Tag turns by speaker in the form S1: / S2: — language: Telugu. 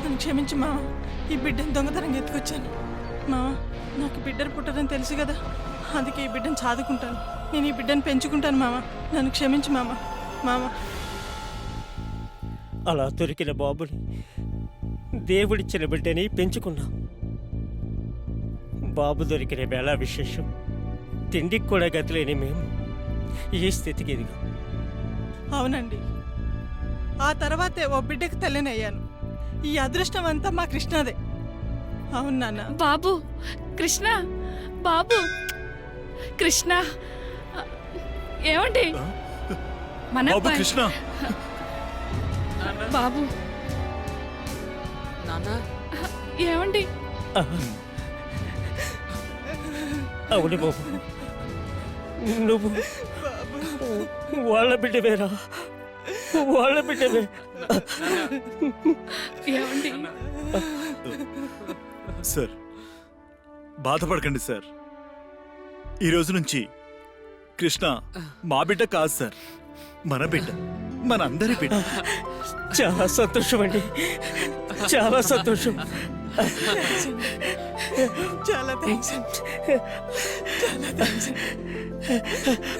S1: నన్ను క్షమించు మామ. ఈ బిడ్డను దొంగతనంగా ఎత్తుకొచ్చాను మామ. నాకు బిడ్డలు పుట్టదని తెలుసు కదా, అందుకే ఈ బిడ్డను చదువుకుంటాను. నేను ఈ బిడ్డను పెంచుకుంటాను మామ. నన్ను క్షమించు మామ. మామ,
S2: అలా దొరికిన బాబుని దేవుడిచ్చిన బిడ్డని పెంచుకున్నా. బాబు దొరికిన వేళ విశేషం. తిండికి కూడా గతిలేని మేము ఈ స్థితికి ఎదిగా.
S1: అవునండి, ఆ తర్వాతే ఓ బిడ్డకు తల్లినయ్యాను. ఈ అదృష్టం అంతా మా కృష్ణదే. అవును నాన్న.
S3: బాబు కృష్ణ, బాబు కృష్ణ, ఏమండి మన
S4: బాబు
S3: అబ్బాయి.
S4: కృష్ణ,
S3: బాబు ఏమండి?
S2: అవును బాబు, నువ్వు వాళ్ళ బిడ్డవేరా, వాళ్ళ బిడ్డవే.
S3: ఏమండి?
S4: సార్ బాధపడకండి సార్. ఈ రోజు నుంచి కృష్ణ మా బిడ్డ కాదు సార్, మన బిడ్డ, మనందరి బిడ్డ.
S2: చాలా సంతోషం అండి, చాలా సంతోషం.
S1: చాలా థ్యాంక్స్. చాలా థ్యాంక్స్.